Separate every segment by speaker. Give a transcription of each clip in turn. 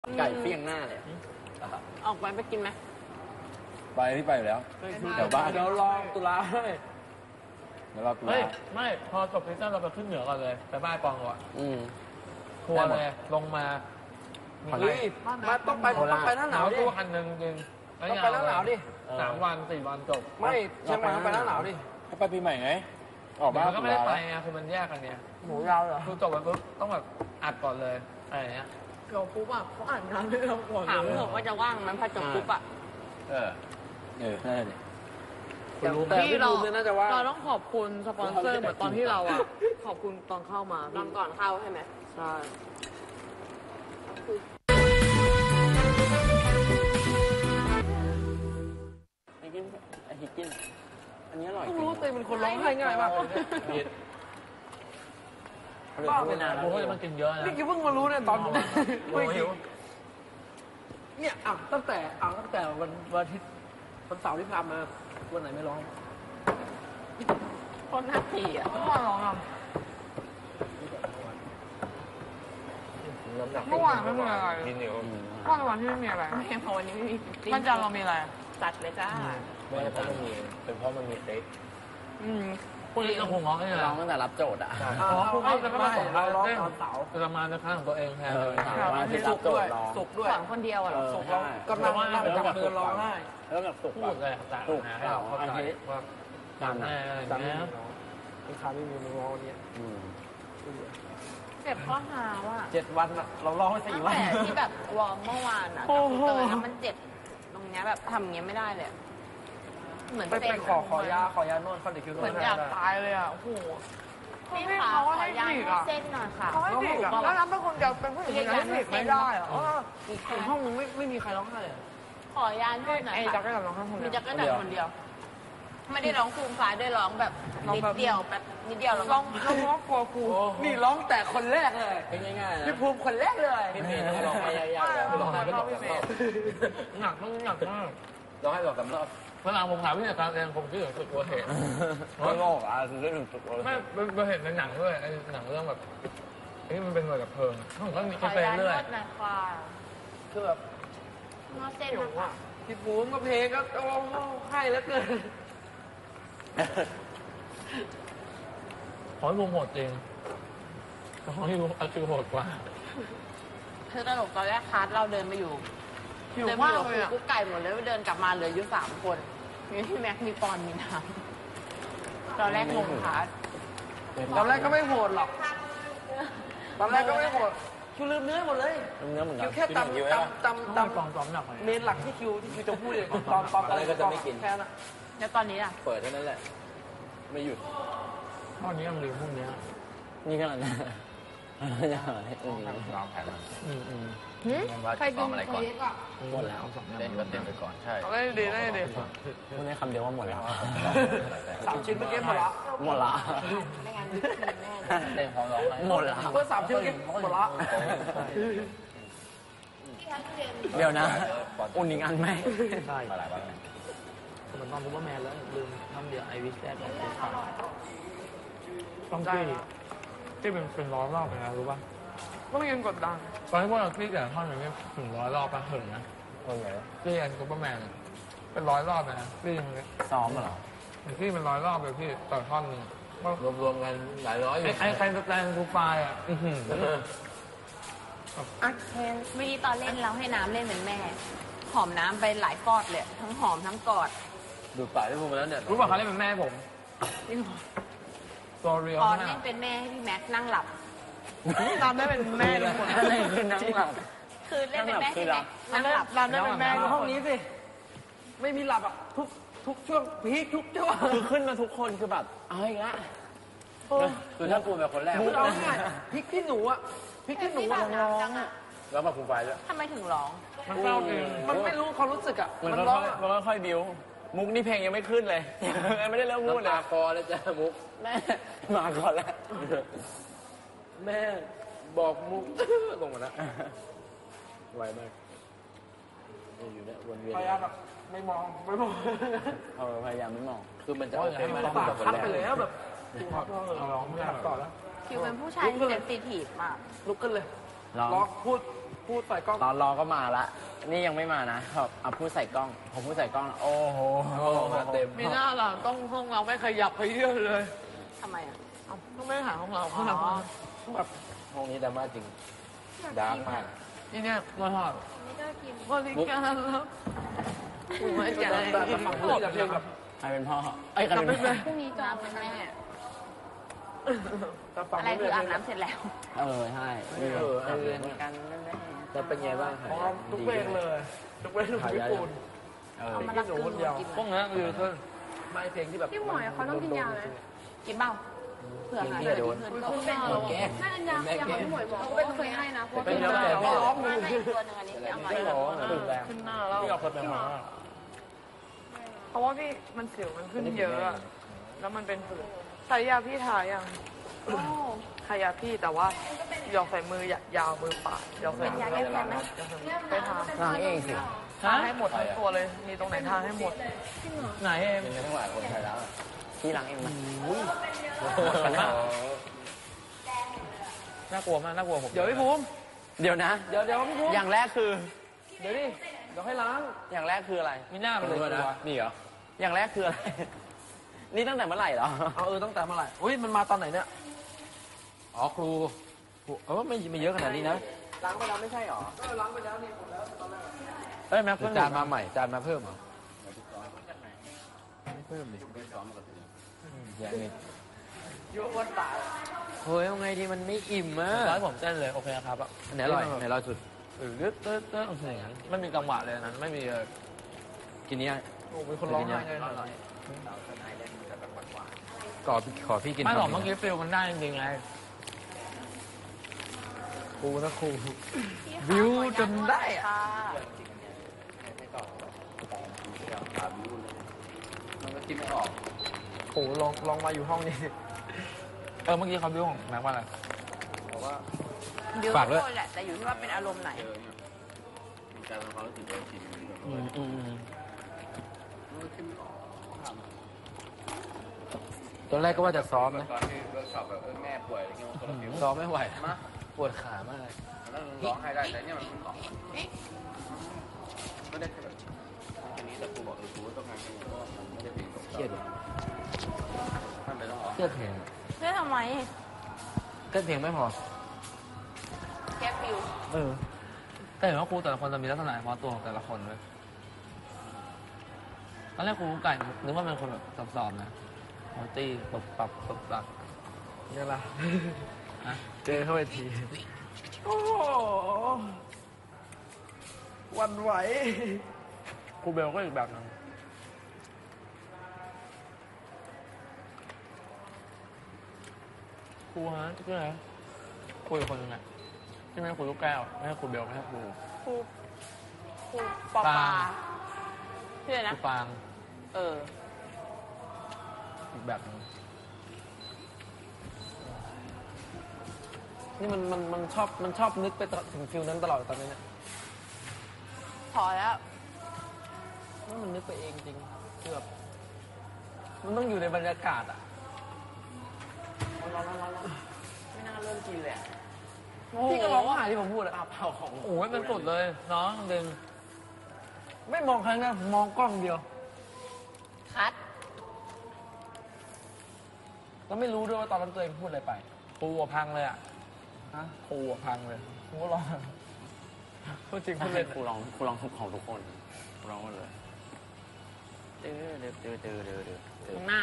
Speaker 1: ไก่เปี้ยงหน้าเลย
Speaker 2: ออกไปกินไหม
Speaker 3: ไปที่ไปอยู่แล้วแถวบ้าน
Speaker 1: เดี๋ยวรอตุลาให้
Speaker 3: เดี๋ยวรอตุลา
Speaker 4: ไม่พอจบซีซั่นเราไปขึ้นเหนือก่อนเลยไปบ้านปองก่อน ทัว
Speaker 3: ได้
Speaker 4: ร์
Speaker 3: หมด
Speaker 4: เลยลงมา
Speaker 1: รีบมาต้องไปหน้าหนาวดิ
Speaker 4: ตู้คันหนึ่งจริง
Speaker 1: ต้องไปหน้าหนาวดิ
Speaker 4: 3 วัน 4 วันจบ
Speaker 1: ไม่เชียงใหม่ต้องไปหน้าหนาวดิ
Speaker 3: ก็ไปปีใหม่ไงออกบ้าน
Speaker 4: มันก็ไม่ได้ไปไงคือมันแยกกันเนี่ย
Speaker 2: หมูเราเหรอ
Speaker 4: คือจบไปปุ๊บต้องแบบอัดก่อนเลยอะไรเงี้ย
Speaker 2: เกี่ยวปุ๊บอ่ะเขาอ่านงานให้เราก่อนถามเถอะว่าจะว่างไหมพอจบปุ๊บอ่ะ
Speaker 3: นั่นแหละดิ
Speaker 1: แต่พี่ภูมิเนี่ยน่าจะว่า
Speaker 2: เราต้องขอบคุณสปอนเซอร์เหมือนตอนที่เราอ่ะขอบคุณตอนเข้ามาตอนก่อนเข้าใช่ไหมใช่
Speaker 1: ไอ้กินไอ้ฮิกกินอันนี้อร่อย
Speaker 2: เพิ่งรู้ว่าตัวเองเป็นคนร้องไห้ง่ายมาก
Speaker 1: บ้าไปนานแล้ว
Speaker 4: กูก็จะมากินเยอะนะ
Speaker 1: นี่กินเพิ่งมารู้เนี่ยตอนไม่กินเนี่ยตั้งแต่วันอาทิตย์วันเสาร์ที่ผ่านมาวันไหนไม่ร้อง
Speaker 2: คนน่าขี่อ่ะเมื่อวานร้องอ่ะเมื่อวานไม่มีอะไร
Speaker 3: กินอยู่
Speaker 2: เมื่อวานที่ไม่มีอะไรไม่พอวันนี้ไม่มีมันจะเรามีอะไรจัดเลยจ้า
Speaker 3: ไม่ใช่เพราะมันมีเป็นเพราะมันมีเซ็ก
Speaker 4: พวกนี้ก็คงร้องนี่แหละ
Speaker 1: ร้องตั้งแต่รับโจทย์อ่ะ
Speaker 4: พวกนี้จะไม่
Speaker 1: เราร้องตอนเสาร์
Speaker 4: จะมาในครั้งของตัวเองแทนเลย
Speaker 1: วันที่สุกด้วยสุกด้วย
Speaker 2: สอนคนเดียวอ่ะ
Speaker 1: สุกร้องกำลังนั่งจับมือร้องไห้แล้วแบบสุก
Speaker 4: พูดเลยต่างๆนะให้เราเข้าใจว่า
Speaker 1: จัน
Speaker 4: แม่อะไรอย่างเงี้ย
Speaker 1: ลูกค้าไม่มีมือร้องเนี่ย
Speaker 2: เจ็บข้อเท้าอ่ะ
Speaker 1: 7 วันเราร้องไป4 วัน
Speaker 2: แต่ที่แบบวอร์มเมื่อวานอ่ะกับเตยแล้วมันเจ็บตรงเนี้ยแบบทำอย่างเงี้ยไม่ได้เลยเหมือน
Speaker 1: ไป
Speaker 2: เส้น
Speaker 1: ขอยานวดเขาเด็กคิว
Speaker 2: เหมือนอยากตายเลยอ่ะโอ้โหพี่ขาขอยาเส้นหน่อยค่ะเขาให้เด็กอ่ะแล้วน้ำเป็นคนเดียวเป็นผู้หญิงคนเดียวไม่ได้อ่ะ
Speaker 1: ห้องนึงไม่มีใครร้องไห้เลย
Speaker 2: ขอยานวดหน่อย
Speaker 1: ไอ้จักร
Speaker 2: ค่ะ
Speaker 1: ก็ร้องไห้คนเดี
Speaker 2: มี
Speaker 1: ยว
Speaker 2: จักรจันคนเดียว ไม่ได้ร้องฟูมฟ้าด้วยร้องแบบนิดเดียวแบบนิดเดียวแล้วร้องร้องกลัวครูนี่ร้องแต่คนแรกเลย
Speaker 1: ง่ายๆนะ
Speaker 2: พี่ภูมิคนแรกเลย
Speaker 1: พี่เมย์ร้องไห้ยากๆเลยร้องไห้ไม่ต้อง
Speaker 4: หนักมาก
Speaker 1: ร้องไห้แบบรอบ
Speaker 4: เวลาผมถามวิทยาการเรียนผมคิดถึงสุดตัวเหตุ
Speaker 3: ไม่งอกอ่ะคือเรื่องหนึ่งสุดเลย
Speaker 4: ไม่เราเห็นในหนังด้วยไอ้หนังเรื่องแบบนี่มันเป็นหน่วยกับเพลิงผมก็มี
Speaker 2: ขอ
Speaker 4: เป็น
Speaker 2: ยาน
Speaker 4: เรื่
Speaker 2: ว
Speaker 4: อย
Speaker 2: ดหน่อยค่ะ
Speaker 1: คือแบบ
Speaker 2: นวดเส้นนะคะ
Speaker 1: พี่ภูมิก็เพลงก็ร้องไห้แล้วเกิน
Speaker 4: ขอให้วงโหดจริงแต่ของที่อาคิวโหดกว่า
Speaker 2: คือตลกตอนแรกคาร์ดเราเดินไปอยู่เดินไปอยู่กับครูกุ๊กไก่หมดเลยเดินกลับมาเหลืออยู่3 คนมีพี่แม็กมีปอนมีน้ำตอนแรกงงคาร์ด
Speaker 1: ตอนแรกก็ไม่โหดหรอกตอนแรกก็ไม่โหดคิวลืมเนื้อหมดเลย
Speaker 3: เนื้อเหมือนกั
Speaker 1: คิ
Speaker 3: น
Speaker 1: วแค่จำ
Speaker 4: กองซ้อมหนักเลย
Speaker 1: เมนหลักที่คิวจะพูดเลยตอนอะไรก็จะไม่กินแค่นั้น
Speaker 2: แล้วตอนนี้ล่ะ
Speaker 3: เปิดเท่านั้นแหละ ไม่หยุด
Speaker 4: ตอนนี้ยังลืมพวกนี้
Speaker 3: นี่ขนาดนั้นจะหาให้อื่นวางแผน
Speaker 2: ใครดูอะไรก่อน
Speaker 3: หมดแล้วเล่นก็เต็มไปก่อนใช่
Speaker 1: ได้ดีได้ดี
Speaker 3: พูดได้คำเดียวว่าหมดแล้ว
Speaker 1: 3 ชิ้นเมื่อกี้หมดละ
Speaker 3: หมดละ
Speaker 2: ไม่งั้นดูทีแน่
Speaker 3: เต็มพร้อมร้องหมดละ
Speaker 1: เมื่อ3 ชิ้นเมื่อกี้หมดละ
Speaker 3: เดี๋ยวนะอุ่นอีกอันไหม
Speaker 4: ใช่
Speaker 3: มาหลายวัน
Speaker 4: เหมือนตอนซูเปอร์แมนแล้วลืมทำเดียวไอวิสแดดของคุณฟังต้องที่เป็น100 รอบเลยนะรู้ป่ะ
Speaker 1: ต้องยืนกดดัน
Speaker 4: ตอนที่พวกเราที่แต่ท่อนหนึ่งนี่ถึง100 รอบป่ะถึงนะ
Speaker 3: คนไหน
Speaker 4: ที่อันซูเปอร์แมนเป็น100 รอบเลยนะที่ยัง
Speaker 3: ซ้อมเหรอ
Speaker 4: ที่เป็น100 รอบเลยพี่ต่อท่อนนึง
Speaker 3: รวมๆกันหลายร้อยอยู่
Speaker 4: ไอ้ใครสแตนทูไฟล์อ่ะ
Speaker 2: เมื่อกี้ตอนเล่นเราให้น้ำเล่นเป็นแม่ หอมน้ำไปหลายฟอดเลยทั้งหอมทั้งกอด
Speaker 3: ดูดปากที่พูดมาแล้วเนี่ย
Speaker 4: รู้ป่ะเขาเล่นเป็นแม่ผมตัวเรียล
Speaker 2: ตอน
Speaker 4: มา
Speaker 2: เล่
Speaker 4: ก
Speaker 2: นเป็นแม่ให้พี่แม็กซ์นั่งหลับ
Speaker 1: ตามได้เป็นแม่ทุกคน
Speaker 3: อะไรคือนั่งหลับ
Speaker 2: คือเล่นเป็นแม่ให้แม็กซ์นั่งหลับ
Speaker 1: ตามได้เป็นแม่ห้องนี้สิไม่มีหลับอ่ะทุกช่วงพีคทุกช่วง
Speaker 3: คือขึ้นมาทุกคนคือแบบเอาอีกละคือถ้าปูเป็นคนแรก
Speaker 1: พูดเอาง่ายพริกที่หนูอ่ะพริกที่หนูอ่ะ
Speaker 2: ร้องอ่ะ
Speaker 3: แล้วมาภูมิไฟด้วย
Speaker 2: ทำไมถึงร้อง
Speaker 4: มันเศร้าจริง
Speaker 1: มันไม่รู้ความรู้สึกอ่ะ
Speaker 3: มัน
Speaker 1: มัน
Speaker 3: ก็
Speaker 1: ร้อง
Speaker 3: มันก็ค่อยบิ้วมุกนี่เพลงยังไม่ขึ้นเลยไม่ได้เริ่มพูดเลยคอแล้วจ้ะมุกแม่มาก่อนแล้วแม่บอกมุกลงมาแล้วไวมากอยู่เนี่ยวนเวียน
Speaker 1: พยายามแบบไม่มอง
Speaker 3: พยายามไม่มองคือมันจะโอเค
Speaker 1: มั
Speaker 3: มาน ก
Speaker 1: ปาก
Speaker 3: กับคน
Speaker 1: คัด
Speaker 3: แร
Speaker 1: ไป
Speaker 3: ก
Speaker 1: แล้วแบบ
Speaker 4: ร้องไม่ได้
Speaker 1: ต่อแล้ว
Speaker 2: คิวเป็นผู้ชายที่เซนซิทีฟมาก
Speaker 1: ลุกขึ้นเลย
Speaker 3: ร้อง
Speaker 1: ร้องพูดพูดใส่กล้อง
Speaker 3: ตอนรอก็มาละ นี่ยังไม่มานะแบบเอาพูดใส่กล้องผมพูดใส่กล้องแล้วโอ้โห
Speaker 1: มาเต็ม
Speaker 4: มีหน้าหลังต้องห้องเราไม่ขยับไปเยอะเลย
Speaker 2: ทำไมอ่ะ
Speaker 4: ต้องไม่หาห้องเราห้องเรา
Speaker 3: แบบห้องนี้ดราม่าจริงดาร์กมาก
Speaker 4: นี่เนี่ยมาหอด
Speaker 5: ไม่ได้กิน
Speaker 4: บริการแล้วกูไม่ใจ
Speaker 1: แต่ฝั่งนู้นจะเพลงแบบ
Speaker 3: ใครเป็นพ่อไอ้ยใครเป็นแม่
Speaker 5: พรุ่งนี้จะ
Speaker 2: น้ำเป็นแม่
Speaker 1: แต่ฝั่ง
Speaker 2: อะไร
Speaker 1: นู้น
Speaker 2: คือ
Speaker 1: เนี่ย
Speaker 2: อาบน้ำเสร็จแล้ว
Speaker 3: ใช่
Speaker 1: เออ
Speaker 3: เตือนกันนั่นแหละจะเป็นไงบ้าง
Speaker 4: ของเราทุกเพลงเลยทุกเพลงทุกญี่ปุ่น
Speaker 2: เอามาละครึ่งหนึ่งกิน
Speaker 4: พวกนั้นคือขึ้น
Speaker 1: ไม่เพลงที่แบบ
Speaker 5: พี่หมวยเขาต้องกินยาไหม
Speaker 2: กินเปล่าเผื่อหายเผื่อดีขึ้น
Speaker 5: คุณเป็น
Speaker 1: แก้
Speaker 5: ถ้าอันยาอย่างพี่หมวยบอกเขาเป็นเคยให้นะเพราะ
Speaker 1: เป็นเยอะ
Speaker 5: ยา
Speaker 1: แต่
Speaker 2: ร้องมือไม่ตัวหนึ่งอันนี้เอามา
Speaker 3: ไม่ร้องตื่นแรง
Speaker 4: ขึ้นหน้าแล้วที่เราเคยไปหาเพราะว่าพี่มันสิวมันขึ้นเยอะอะแล้วมันเป็นผื่นใช้ยาพี่ทายังทายาพี่แต่ว่าหยอกใส่มือยาวมือปาดหยอกใส่มือไปทา
Speaker 3: ล้างเองสิ
Speaker 4: ทาให้หมดทั้งตัวเลย มีตรงไหนทาให้หมด ไหนเอ็ม
Speaker 3: เป็นไม่ไหวคนไทยแล้วพี่ล้างเองนะ
Speaker 4: น่ากลัวมากน่ากลัวผมเดี๋ยวพี่ภูมิ
Speaker 3: เดี๋ยวนะ
Speaker 1: เดี๋ยวพี่พูด
Speaker 3: อย่างแรกคือ
Speaker 1: เดี๋ยวดิเดี๋ยวให้ล้าง
Speaker 3: อย่างแรกคืออะไร
Speaker 4: มีหน้ามันเลยกลัว
Speaker 3: นี่เหรออย่างแรกคืออะไร นี่ตั้งแต่เมื่อไหร่เหรอ
Speaker 1: เอาตั้งแต่เมื่อไหร่อุ้ยมันมาตอนไหนเนี่ยอ๋อครูไม่เยอะขนาดนี้นะ
Speaker 3: ล้างไปแล้วไม่ใช่เหรอ
Speaker 4: เอ้ยแม็กเพิ่ง
Speaker 1: จานมาใหม่จานมาเพิ่มเหรอไม่เพิ่มดิอย่างนี้
Speaker 4: เยอะวันตาย
Speaker 1: เฮ้ยเอาไงดีมันไม่อิ่มอ่ะ
Speaker 4: ร้อยผมเต้นเลยโอเคครับอ่ะ
Speaker 1: ไหนอร่อยไหนอร่อยสุด
Speaker 4: เลือดเลือดเลือดไม่มีจังหวะเลยนั้นไม่มีเลย
Speaker 1: กินนี้
Speaker 4: โอ้เป็นคนร้องไห้เลย
Speaker 1: ขอพี่กิน
Speaker 4: ไม่หรอกเมื่อกี้ฟิลมันได้จริงๆไง
Speaker 1: ครูนะครูวิวจนได้อะ
Speaker 2: ค่ะ
Speaker 4: โอ้ลองมาอยู่ห้องนี้เมื่อกี้เขาบิวของแม็กว่าอะไร
Speaker 2: บิวทุกคนแหละแต่อยู่ที่ว่าเป็นอารมณ์ไหน
Speaker 1: ตอนแรกก็ว่าจะซ้อมนะ
Speaker 3: ตอนที่เวิร์กช็อปแบบแม่ป่วยอะไรเงี้ยมันคนละฟิว
Speaker 1: ซ้อมไม่ไหวปวดขามาก
Speaker 3: แล้วร้องไห้ได้แต่เนี่ยมันร้องไม่ได้แค่แบบอันนี้แต่ครูบอกครูต้องการให้เพราะว่ามันไม่ได้เพลงตก
Speaker 1: เครียดว่ะ
Speaker 3: ท่านไปต้องร้อง
Speaker 1: เครียดเพลง
Speaker 2: เพื่อทำไม
Speaker 1: เครียดเพลงไม่พอ
Speaker 2: แก้ฟิว
Speaker 4: แต่เห็นว่าครูแต่ละคนจะมีลักษณะเฉพาะตัวของแต่ละคนเลยตอนแรกครูไก่นึกว่าเป็นคนแบบสอบๆนะมัลตี้ปรับ
Speaker 1: เนี่ยล่ะ
Speaker 4: ฮะ
Speaker 1: เจอเข้าไปที โอ้โหวันไหว
Speaker 4: ครูเบลก็อีกแบบนึงครูฮะชื่ออะไรครูอีกคนนึงอ่ะที่ไม่ใช่ครูลูกแก้วไม่ใช่ครูเบลไม่ใช่ครู
Speaker 2: ครูปอปาชื่ออะไร
Speaker 4: ค
Speaker 2: นะ
Speaker 4: รูฟาง อีกแบบนึง
Speaker 1: นี่มันชอบนึกไปถึงฟิลนั้นตลอดตอนนี้เนี่ย
Speaker 2: พอแล้ว
Speaker 1: มันนึกไปเองจริงคือแบบมันต้องอยู่ในบรรยากาศอ่ะ
Speaker 2: ไม่น่าเริ่มกินเลยอะ
Speaker 1: พี่ก็ร้องไห้ที่ผมพูดอะ
Speaker 3: เผาของ
Speaker 4: โอ้ยเป็นสุดเลยน้องดึง
Speaker 1: ไม่มองใครนะมองกล้องเดียว
Speaker 2: คัด
Speaker 1: แล้วไม่รู้ด้วยว่าตอนนั้นตัวเองพูดอะไรไป
Speaker 4: ครูอะพังเลยอ่ะ
Speaker 1: ฮะ
Speaker 4: ครูอะพังเลย
Speaker 1: ผมก็ร้องพูดจริงพูด
Speaker 3: ค
Speaker 1: เล่น
Speaker 3: รูร้องทุกของทุกคนร้องหมดเลยเดือด
Speaker 2: หน้า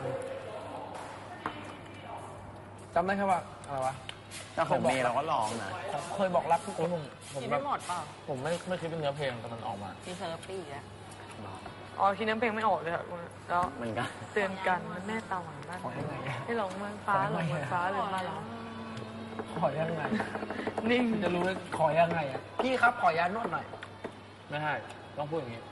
Speaker 1: จำได้แค่ว่าอะไรวะ
Speaker 3: แต่ของเมย์เราก็ร้องนะ
Speaker 1: เคยบอกรักทุกคน
Speaker 4: ผม
Speaker 2: กิน
Speaker 4: แบ
Speaker 2: ไม่
Speaker 4: บ
Speaker 2: หมดเปล่า
Speaker 4: ผมไม่คิดเป็นเนื้อเพลงแต่มันออกมา
Speaker 2: ที่เซอร์ปี้อีกแล้ว
Speaker 6: อ๋อคิดน้ำเพลงไม่ออกเลยค่ะแล้ว
Speaker 3: เหมือนกัน
Speaker 6: เตือนกันแม่ตาหวานบ้านให้หลงเมืองฟ้าหลงเมืองฟ้าเลยมาหลง
Speaker 1: ขอยังไง
Speaker 6: นิ่ง
Speaker 1: จะรู้ว่าขอยังไงอ่ะพี่ครับขอยานวดหน่อย
Speaker 4: ไม่ให้ต้องพูดอย่างนี้